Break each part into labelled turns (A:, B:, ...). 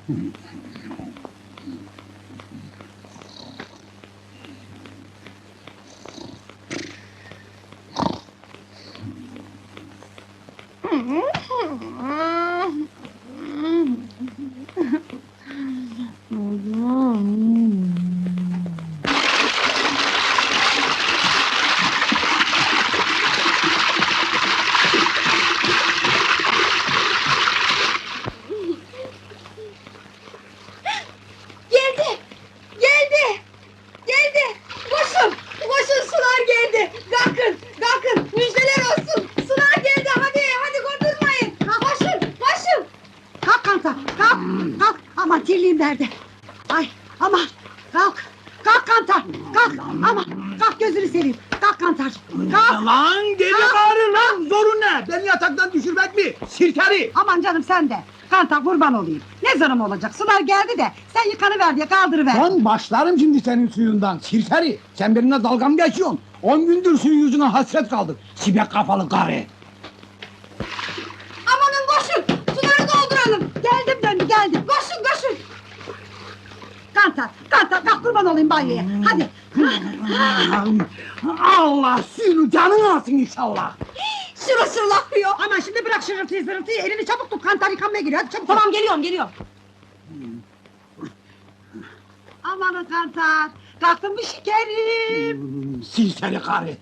A: Koşun, sular geldi! Kalkın, müjdeler olsun! Sular geldi, hadi kurdurmayın! Koşun!
B: Kalk Kantar, kalk! Aman tirliğim nerede? Ay, aman, kalk! Kalk Kantar, kalk! Aman, kalk gözünü seveyim! Kalk Kantar, kalk!
C: Lan deli karı lan, zorun ne? Beni yataktan düşürmek mi? Sirkeri!
B: Aman canım sen de! Kantar kurban olayım! Ne zarım olacak, sular geldi de sen yıkanıver diye kaldırıver!
C: Lan başlarım şimdi senin suyundan, sirkeri! Sen benimle dalga mı geçiyorsun? 10 gündür suyun yüzüne hasret kaldık, sibek kafalı karı!
A: Amanın koşun! Suları dolduralım!
B: Geldim!
A: Koşun!
B: Kantar, kalk kurban olayım banyoya! Hadi!
C: Allah suyunu canın alsın inşallah!
A: Şırıl akıyor!
B: Aman şimdi bırak şırıltıyı zırıltıyı, elini çabuk tut, Kantar yıkanmaya giriyor, hadi çabuk!
A: Tamam, geliyorum!
B: Amanın Kantar, kalktın mı şekerim?
C: Sirkeri karı!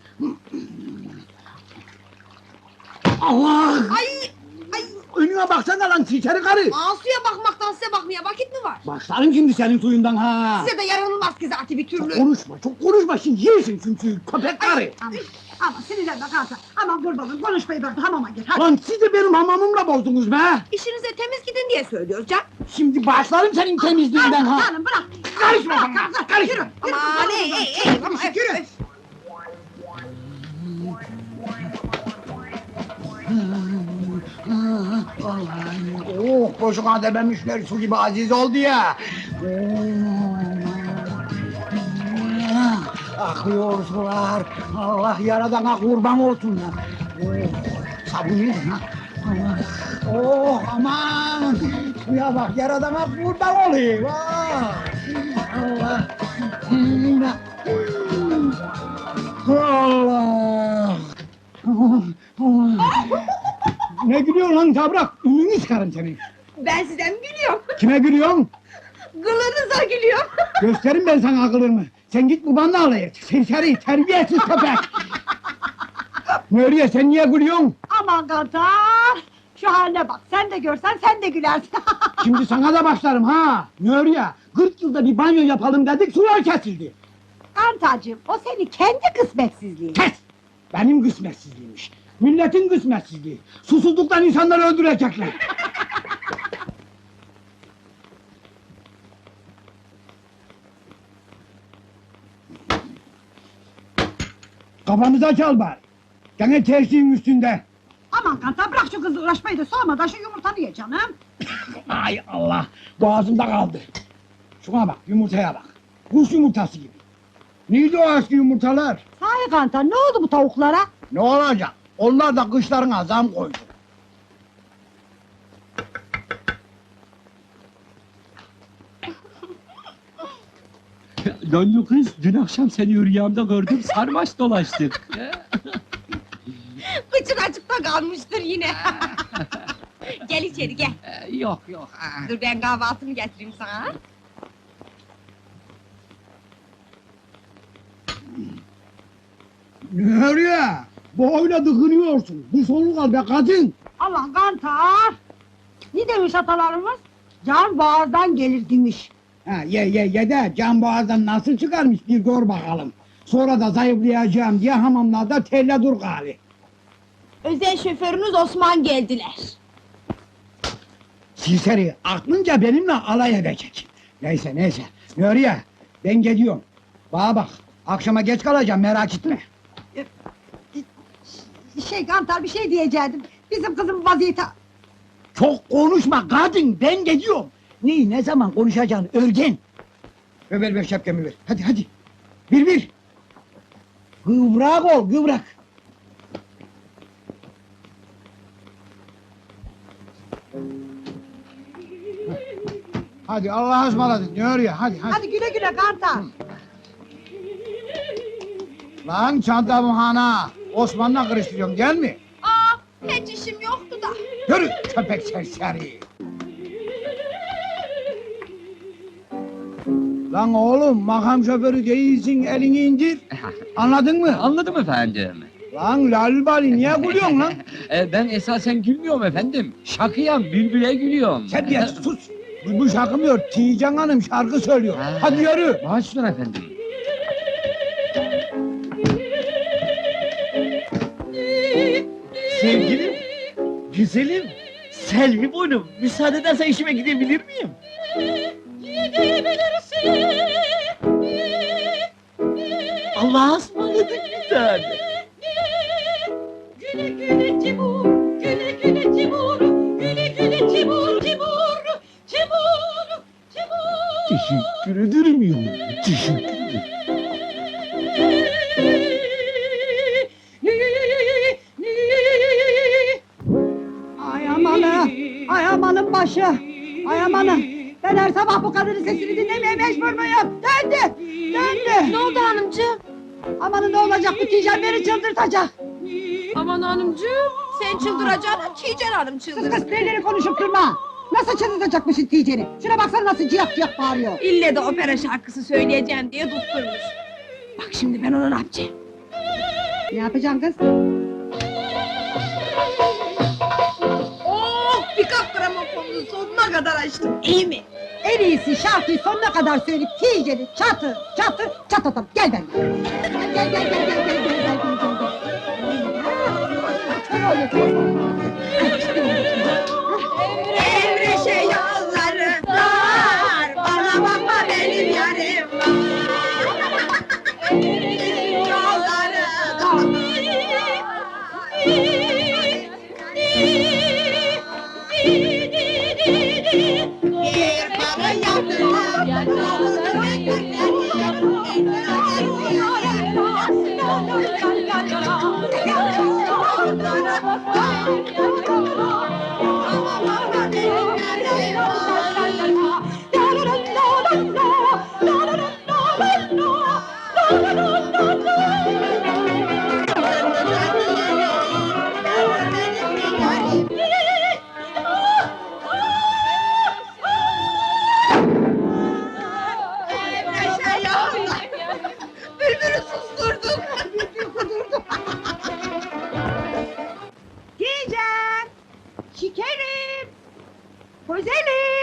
C: Allah!
A: Ay!
C: Önüne baksana lan sirkeri karı!
A: Asuya bakmaktan size bakmaya vakit mi var?
C: Başlarım şimdi senin suyundan ha!
A: Size de yaranılmaz ki zaten bir türlü!
C: Çok konuşma şimdi yersin çünkü köpek karı!
B: Aman sinirlenme Kantar, aman kurbanım konuşmayı bırak, hamama gir, hadi!
C: Lan siz de benim hamamımla bozdunuz be!
A: İşinize temiz gidin diye söylüyoruz can!
C: Şimdi başlarım senin temizliğinden ha!
B: Canım bırak!
C: Karışma bana! Karışma!
B: Yürü!
A: Aman
B: Yürü!
C: Oh, boşuna dememişler su gibi aziz oldu ya! Akıyor sular! Allah yaradana kurban olsunlar! Sabun yedin ha! Oh aman! Suya bak yaradana kurban olayım! Allah! Allah! Ne gülüyorsun lan tabrak? Ümünü çıkarım senin!
A: Ben sizden gülüyorum!
C: Kime gülüyorsun?
A: Gılınıza gülüyorum!
C: Gösterin ben sana akılırımı! Sen git babanla alay et! Serseri, terbiyesiz köpek! Nuriye sen niye gülüyorsun?
B: Aman Kantar! Şu haline bak, sen de görsen sen de gülersin!
C: Şimdi sana da başlarım ha! Nuriye, 40 yılda bir banyo yapalım dedik, sular kesildi!
B: Kantarcığım, o senin kendi kısmetsizliğin!
C: Kes! Benim kısmetsizliğimmiş! Milletin kısmetsizliği! Susuzluktan insanları öldürecekler! Kafamıza çal bari! Gene tersiğin üstünde!
B: Aman Kantar, bırak şu kızla uğraşmayı da soğumadan şu yumurtanı ye canım!
C: Ay Allah! Boğazımda kaldı! Şuna bak, yumurtaya bak! Kuş yumurtası gibi! Neydi o eski yumurtalar?
B: Sahi Kantar, ne oldu bu tavuklara?
C: Ne olacak? Onlar da kışlarına zam koydu.
D: Döndü kız, dün akşam seni rüyamda gördüm, sarmaş dolaştık.
A: Kıçın açıkta kalmıştır yine! Gel içeri gel!
D: Yok.
A: Dur ben kahvaltımı getireyim sana!
C: Nereye? Boyla dıkınıyorsun. Bir soluk al be kadın.
B: Allah Kantar! Ne demiş atalarımız? Can boğazdan gelir demiş.
C: Ha, ye de can boğazdan nasıl çıkarmış bir gör bakalım. Sonra da zayıflayacağım diye hamamlarda telle dur gali.
A: Özel şoförünüz Osman geldiler!
C: Silseri aklınca benimle alay edecek. Neyse. Nuriye ben gidiyorum. Bana bak akşama geç kalacağım merak etme.
B: Kantar bir şey diyecektim. Bizim kızın vaziyeti...
C: Çok konuşma kadın ben gidiyorum. Ne zaman konuşacaksın örgen. Ver şapkamı ver. Hadi. Bir. Kıvrak ol kıvrak. Hadi Allah'a ısmarladık diyor ya hadi hadi.
B: Hadi güle güle Kantar.
C: Lan çantamı hana. Osman'la karıştırıyorum gel mi?
A: Aa, hiç işim yoktu da.
C: Yürü köpek serseri. Lan oğlum makam şoförü değilsin elini indir. Anladın mı?
D: Anladım efendim.
C: Lan lalbali niye gülüyorsun lan?
D: Ben esasen gülmüyorum efendim. Şakıyam, bülbüle gülüyorum.
C: Terbiyesiz sus. Bu şakımıyor. Tijan Hanım şarkı söylüyor.
D: Ha.
C: Hadi yürü.
D: Başüstüne efendim.
E: Sevgilim, güzelim, Selvi boynum, müsaade edersen işime gidebilir miyim? Allah'a ısmarladık bir tane.
A: Güle güle Timur, güle güle Timur, güle güle Timur, Timur, Timur, Timur.
E: Teşekkür ederim yavrum, teşekkür ederim.
B: Ay amanı. Ay amanın başı. Ay amanın. Ben her sabah bu kadının sesini dinlemeye mecbur muyum? Döndü. Döndü.
A: Ne oldu hanımcığım?
B: Amanın ne olacak bu Tijan beni çıldırtacak.
A: Aman hanımcığım, sen çıldıracaksın, Tijen Hanım
B: Kız
A: çıldırsın.
B: kız neleri konuşup durma. Nasıl çıldırtacakmışsın Tijan'i? Şuna baksana nasıl ciyak ciyak bağırıyor.
A: İlle de opera şarkısı söyleyeceğim diye tutturmuş. Bak şimdi ben ona ne yapacağım?
B: Ne yapacaksın kız?
A: Oh, bir gramofonunu sonuna kadar açtım, iyi mi?
B: En iyisi şarkıyı sonuna kadar söyleyip Tijan'i çatır çatır çatlatalım. Gel ben. Gel gel gel gel gel gel gel gel gel gel. Kör oluyor, kör oluyor.
A: Evreşe yolları dar, bana bakma benim yarim var. Yolları dar. Bir para Bülbülü susturduk.
B: Tijan! Şekerim! Güzelim!